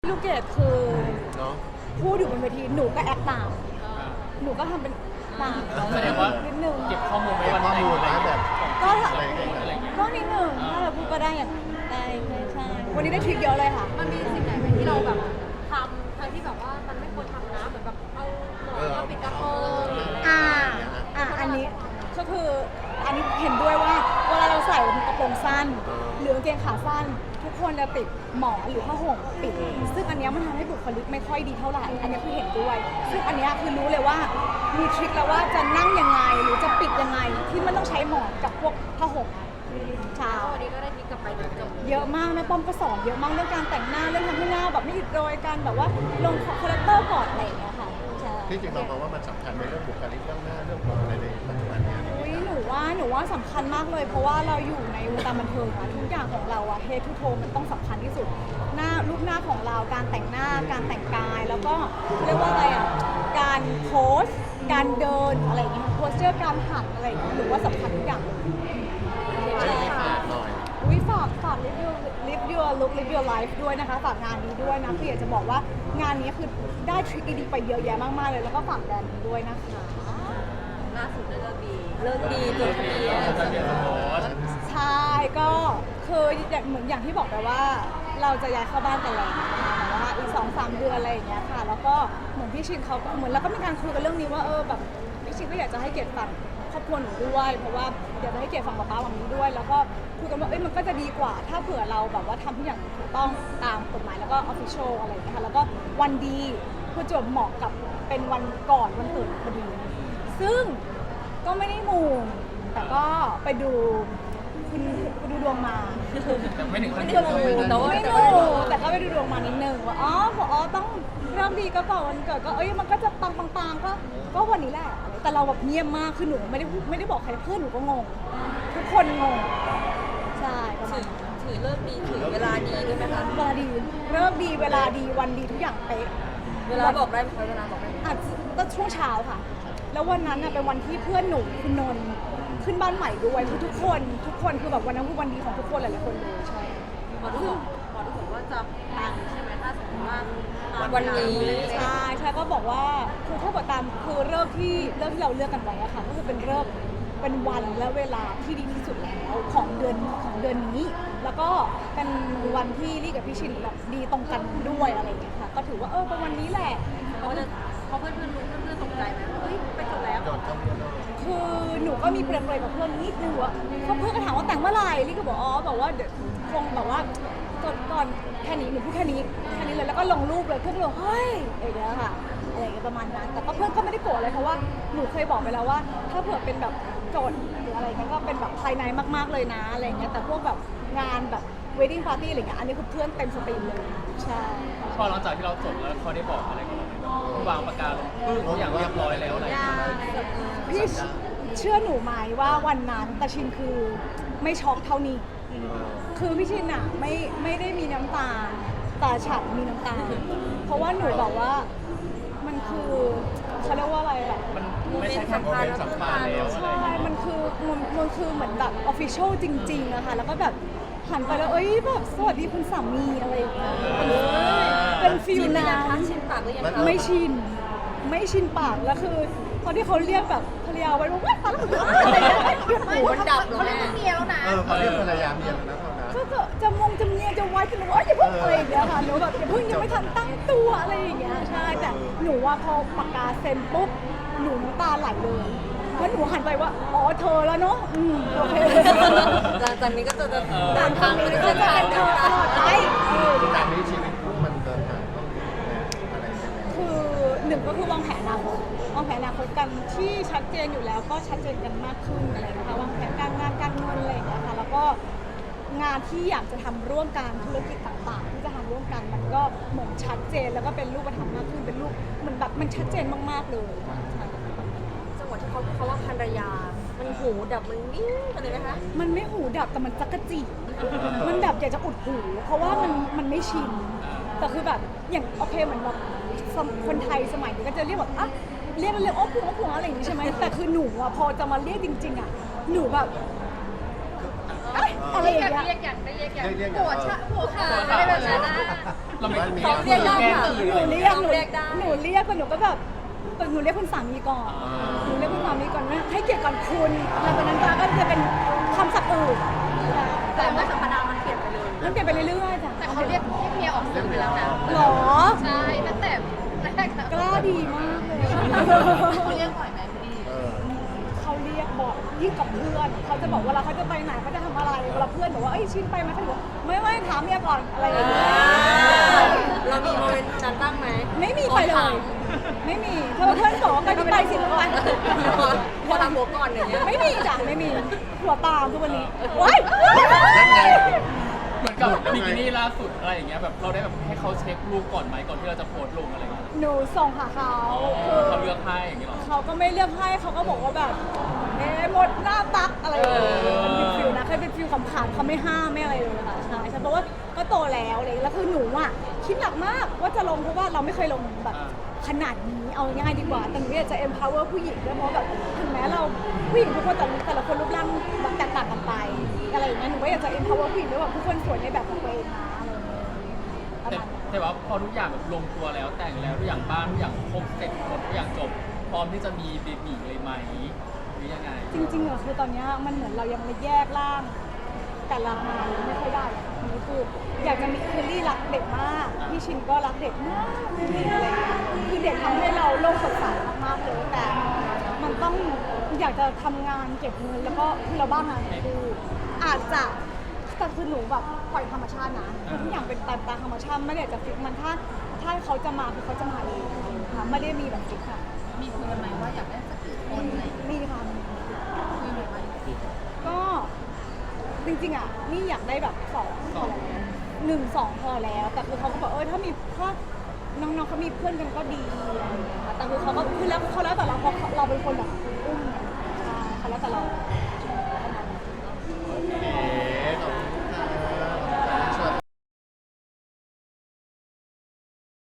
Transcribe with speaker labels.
Speaker 1: ลูกเกดคือ
Speaker 2: เนาะ
Speaker 1: พูดอยู่บนเวทีหนูก็แอคตามหนูก็ทำเป็นตาม
Speaker 3: แสดงว่า
Speaker 1: นิดนึง
Speaker 3: เก็บข้อมูลไว้
Speaker 2: เก็บ
Speaker 3: วัน
Speaker 2: ข้อ
Speaker 3: ไหน
Speaker 2: มูลนะแบบ
Speaker 1: ก็
Speaker 2: อะไรอย่างเงี้ย
Speaker 1: ก็นิดนึงถ้าเราพูดก็ได้อย่างนั้นได้ใช่วันนี้ได้ทริคเยอะเลยค่ะ
Speaker 4: มันมีสิ่งไหนไหมที่เราแบบทำทั้งที่แบบว่ามันไม่ควรทำนะเหมือนแบบเอาหมอนมาปิดกระโปรง
Speaker 1: อันนี้ก็คืออันนี้เห็นด้วยว่าเวลาเราใส่กระโปรงสั้น หรือกางเกงขาสั้น ทุกคนจะติดหมอนหรือผ้าห่มปิด ซึ่งอันเนี้ยมันทำให้บุคลิกไม่ค่อยดีเท่าไหร่อันนี้คือเห็นด้วย ซึ่งอันเนี้ยคือรู้เลยว่ามีทริคแล้วว่าจะนั่งยังไงหรือจะปิดยังไงที่มันต้องใช้หมอนกับพวกผ้าห่มเช้า
Speaker 4: วันนี้ก็ได้ทิกกลับไปจบ
Speaker 1: เยอะมากแม่ป้อมก็สอนเยอะมากเรื่องการแต่งหน้าเรื่องทำให้หน้าแบบไม่อิดโรยการแบบว่าลงคาแรคเตอร์ก่อนอะไรอย่างเงี้ยค่ะใช่
Speaker 2: ที่จริงเรามองว่ามันสำคัญในเรื่องบุคลิกเรื่องหน้าเรื่องผมอะไรในปัจจุบันเนี้ย
Speaker 1: อุ๊ยหนูว่าสำคัญมากเลย เพราะว่าเราอยู่ในวงการบันเทิงอะทุกอย่างของเราอะเฮดทูโทมันต้องสำคัญที่สุดหน้ารูปหน้าของเราการแต่งหน้าการแต่งกายแล้วก็เรียกว่าอะไรอะการโพสการเดินอะไรอย่างเงี้ยโพสเจอร์การหันอะไรอย่างเงี้ยหนูว่าสำคัญทุกอย่าง
Speaker 2: ให้ฝากหน่อย
Speaker 1: อุ๊ยฝาก live your look live your life ด้วยนะคะฝากงานนี้ด้วยนะคืออยากจะบอกว่างานนี้คือได้ทริคดีๆไปเยอะแยะมากๆเลยแล้วก็ฝากแบรนด์นี้ด้วยนะคะ
Speaker 4: ล่าสุดเลิกดีจดทะเบียน
Speaker 3: จะเรียนโพส
Speaker 1: ใช่ก็คือเหมือนอย่างที่บอกไปว่าเราจะย้ายเข้าบ้านกันแล้วแต่ว่าอีก2-3 เดือนอะไรอย่างเงี้ยค่ะแล้วก็เหมือนพี่ชินเขาเหมือนแล้วก็มีการคุยกันเรื่องนี้ว่าแบบพี่ชินก็อยากจะให้เกียรติฝั่งครอบครัวหนูด้วยเพราะว่าอยากจะให้เกียรติฝั่งป๊าฝั่งนี้ด้วย แล้วก็คุยกันว่ามันก็จะดีกว่า ถ้าเผื่อเราแบบว่าทำทุกอย่างถูกต้องตามกฎหมายแล้วก็ออฟฟิเชียลอะไรอย่างเงี้ยค่ะแล้วก็วันดีคือจวบเหมาะกับเป็นวันก่อนวันเกิดพอดีซึ่งก็ไม่ได้มูแต่ก็ไปดูคุณดูดวงมา
Speaker 3: แต่ไม่ถึงขั้น
Speaker 1: ไม่ดูแต่ก็ไปดูดวงมานิดนึงว่าต้องเริ่มดีก็ก่อนวันเกิดก็มันก็จะปังก็วันนี้แหละแต่เราแบบเงียบมากคือหนูไม่ได้บอกใครเพื่อนหนูก็งงทุกคนงงใช่ประมาณนั้น
Speaker 4: ถือเลิกดีถือเวลาดีด้วยไหมคะ
Speaker 1: เวลาดีเริ่มดีเวลาดีวันดีทุกอย่างเป๊ะ
Speaker 4: เวลาบอกได้ไหมคะเวลาบอกได้ไหม
Speaker 1: อาจจะช่วงเช้าค่ะ แล้ววันนั้นเป็นวันที่เพื่อนหนูคุณนนท์ขึ้นบ้านใหม่ด้วยคือทุกคนคือแบบวันนั้นคือวันดีของทุกคนหลายๆคนเลยใช่
Speaker 4: หมอดูบอกว่าจะปังใช่ไหมถ้าสมมติว่า
Speaker 1: วันนี้ใช่ก็บอกว่าคือถ้าเกิดตามคือเลิกที่เราเลือกกันไว้อะค่ะก็คือเป็นเลิกเป็นวันและเวลาที่ดีที่สุดแล้วของเดือนนี้ แล้วก็เป็นวันที่ลี่กับพี่ชินแบบดีตรงกันด้วยอะไรอย่างเงี้ยค่ะก็ถือว่าเป็นวันนี้แหละ
Speaker 4: เขาเพื่อนรู้เพื่อนตกใจไหมว่าเฮ้ยไปจบแล้ว
Speaker 2: จดจำเนียน
Speaker 1: คือหนูก็มีเปรย์ๆกับเพื่อนนิดนึงว่าเพื่อนก็ถามว่าแต่งเมื่อไหร่ลี่ก็บอกบอกว่าเดี๋ยวคงแบบว่าก่อนแค่นี้หนูพูดแค่นี้เลยแล้วก็ลงรูปเลยเพื่อนก็เลยเฮ้ยอย่างเงี้ยค่ะอะไรอย่างเงี้ยประมาณนั้นแต่ก็เพื่อนก็ไม่ได้โกรธอะไรเพราะว่าหนูเคยบอกไปแล้วว่า ถ้าเผื่อเป็นแบบโจทย์หรืออะไรเงี้ยก็เป็นแบบภายในมากๆเลยนะอะไรเงี้ยแต่พวกแบบงานแบบ wedding party อะไรเงี้ยอันนี้คือเพื่อนเต็มสตรีมเลยใช่
Speaker 3: พอหลังจากที่เราจบแล้วเขาได้บอกอะไรกับเราไหมวางปากกาลงปึ้งทุกอย่างเรียบร้อยแล้วอะไรอย่างเงี้ย
Speaker 1: พี่เชื่อหนูไหมว่าวันนั้นตาชินคือไม่ช็อกเท่านี้ คือพี่ชินอะไม่ได้มีน้ำตาแต่ฉันมีน้ำตา เพราะว่าหนูบอกว่ามันคือเขาเรียกว่าอะไรแบบ
Speaker 3: มันไม่ใช่แค่โมเมนต์สำคัญแล้วอะไร
Speaker 1: ใช่มันคือเหมือนแบบออฟฟิเชียลจริงๆอะค่ะแล้วก็แบบหันไปแล้วแบบสวัสดีคุณสามีอะไรอย่างเงี้ยเป็นฟิลนั้น
Speaker 4: ชินปากหรือยังคะ
Speaker 1: ไม่ชินปากแล้วคือตอนที่เขาเรียกแบบภรรยาไว้ว่าตาแล้วมันอะไรหยุด
Speaker 4: หูมันดับเหรอแม่
Speaker 2: เขาเรียกภรรยาเมียแล้วนะเท่านั้น
Speaker 1: ก็จะเมียจะไว้จะหนูอย่าเพิ่งอะไรอย่างเงี้ยค่ะหนูแบบอย่าเพิ่งยังไม่ทันตั้งตัวอะไรอย่างเงี้ยใช่แต่หนูว่าพอปากกาเซ็นปุ๊บหนูน้ำตาไหลเลยเพราะหนูหันไปว่าเธอแล้วเนาะโอเค
Speaker 4: หลังจากนี้ก็จะ
Speaker 1: ต่างทางนี้ก็จะเป็นเธอตลอดไป
Speaker 2: จากนี้ชีวิตคู่มันเดินทางต้องอะไรยังไง
Speaker 1: คือหนึ่งก็คือวางแผนอนาคตกันที่ชัดเจนอยู่แล้วก็ชัดเจนกันมากขึ้นอะไรนะคะวางแผนการงานการเงินอะไรอย่างเงี้ยค่ะแล้วก็งานที่อยากจะทำร่วมกันธุรกิจต่างๆ ที่จะทำร่วมกันมันก็เหมือนชัดเจนแล้วก็เป็นรูปธรรมมากขึ้นเป็นรูปมันแบบมันชัดเจนมากๆเลยใช่
Speaker 4: จังหวะที่เขาว่าภรรยา มันหูดับมันนิ่งไปเลยนะคะ
Speaker 1: มันไม่หูดับแต่มันจักระจีมันแบบอยากจะอุดหูเพราะว่ามันไม่ชินแต่คือแบบอย่างโอเคเหมือนแบบคนไทยสมัยนี้ก็จะเรียกแบบเรียกโอ้ผัวอะไรอย่างนี้ใช่ไหมแต่คือหนูอะพอจะมาเรียกจริงๆอะหนูแบบอะไรอย่างเงี้ย
Speaker 4: เรียกอย่าง
Speaker 2: เรียก
Speaker 4: หัวขาอะไรแบบนั้น
Speaker 3: เราำไม
Speaker 4: เขาเรียกได้
Speaker 3: แกล้ง
Speaker 4: ค่ะ
Speaker 3: ตื่น
Speaker 1: ห
Speaker 3: อะไร
Speaker 1: นู
Speaker 3: อย่าง
Speaker 1: เรี
Speaker 3: เงี้
Speaker 1: ย
Speaker 3: ย
Speaker 1: กหนูเรียกแต่หนูก็แบบหนูเรียกคุณสามีก่อนหนูเรียกคุณสามีก่อนว่าให้เกียรติก่อนคุณแล้ววันนั้นก็จะเป็นคำศัพท์อื่น
Speaker 4: แต่เมื่อสัปดาห์มันเปลี่ยนไปเลย
Speaker 1: มันเปลี่ยนไปเรื่อยๆจ้ะ
Speaker 4: แต่เขาเรียกเมียออกสื่อไปแล้วนะ
Speaker 1: หรอ
Speaker 4: ใช่ตั้งแต่แรก
Speaker 1: กล้าดีมากเลย
Speaker 4: เขาเรียกบ่อยไหมพี่
Speaker 2: เออ
Speaker 1: เขาเรียกบอกยิ่งกับเพื่อนเขาจะบอกเวลาเขาจะไปไหนเขาจะทำอะไรเวลาเพื่อนบอกว่าเอ้ยชินไปไหมเขาบอกไม่ถามเมียก่อนอะไรอย่างเงี้ย
Speaker 4: เรามีโมเมนต์นั้นบ้างไหม
Speaker 1: ไม่มีไปเลย ไม่มีถ้าเพื่อนบอกว่าไปก็ไปสิแล้วไป
Speaker 4: พอทำหัวก่อนอย่างเงี้ย
Speaker 1: ไม่มีจ้ะไม่มีหัวตามทุกวันนี้ว้าย
Speaker 2: นั่นไง
Speaker 3: เหมือนกับบิกินี่ล่าสุดอะไรอย่างเงี้ยแบบเราได้แบบให้เขาเช็ครูปก่อนไหมก่อนที่เราจะโพสต์ลงอะไรเงี้ย
Speaker 1: หนูส่งหาเขาคือ
Speaker 3: เขาเลือกให้อย่างเงี้ยหรอ
Speaker 1: เขาก็ไม่เลือกให้เขาก็บอกว่าแบบหมดหน้าตักอะไรอย่างเงี้ยมันเป็นฟิลนะแค่เป็นฟิลขำๆเขาไม่ห้ามไม่อะไรเลยค่ะใช่เพราะว่าก็โตแล้วอะไรอย่างเลยแล้วคือหนูอ่ะคิดหนักมากว่าจะลงเพราะว่าเราไม่เคยลงแบบขนาดนี้เอาง่ายดีกว่าแต่หนูอยากจะ empower ผู้หญิงด้วยเพราะแบบถึงแม้เราผู้หญิงทุกคนแต่ละคนรูปร่างแบบแตกต่างกันไปอะไรอย่างเงี้ยหนูก็อยากจะ empower ผู้หญิงด้วยว่าทุกคนสวยในแบบของตัวเองนะอะไรอย่างเงี้ยประ
Speaker 3: แต่
Speaker 1: มาณนั้น
Speaker 3: แต่ว่าพอทุกอย่างแบบลงตัวแล้วแต่งแล้วทุกอย่างบ้านทุกอย่างครบเสร็จหมดทุกอย่างจบพร้อมที่จะมีเบบีเลยไหมหรือยังไง
Speaker 1: จริงๆอะคือตอนเนี้ยมันเหมือนเรายังไม่แยกร่างแต่ละงานไม่ค่อยได้อะนี่คืออยากจะมีคือลี่รักเด็กมากพี่ชินก็รักเด็กมากจริงๆอะไรเงี้ยคือเด็กทำให้เราโลกสดใสมากๆเลยแต่มันต้องอยากจะทำงานเก็บเงินแล้วก็คือเราบ้างงานคืออาจจะแต่คือหนูแบบปล่อยธรรมชาตินะคือทุกอย่างเป็นตามธรรมชาติไม่ได้อยากจะฟิกมันถ้าเขาจะมาคือเขาจะมาเองค่ะไม่ได้มีแบบฟิกค่ะ
Speaker 4: มีคุยกันไหมว่าอยากได้สักกี่คนอะไรอย่างเงี้ย
Speaker 1: มีค่ะ
Speaker 4: คุยไหมว่า
Speaker 1: ก็จริงๆอ่ะนี่อยากได้แบบ2พอแล้ว1-2พอแล้วแต่คือเขาก็บอกถ้ามีถ้าน้องๆเขามีเพื่อนกันก็ดีอะไรอย่างเงี้ยค่ะแต่คือเขาก็คือแล้วเขาแล้วแต่เราเพราะเราเป็นคนแบบอุ้ม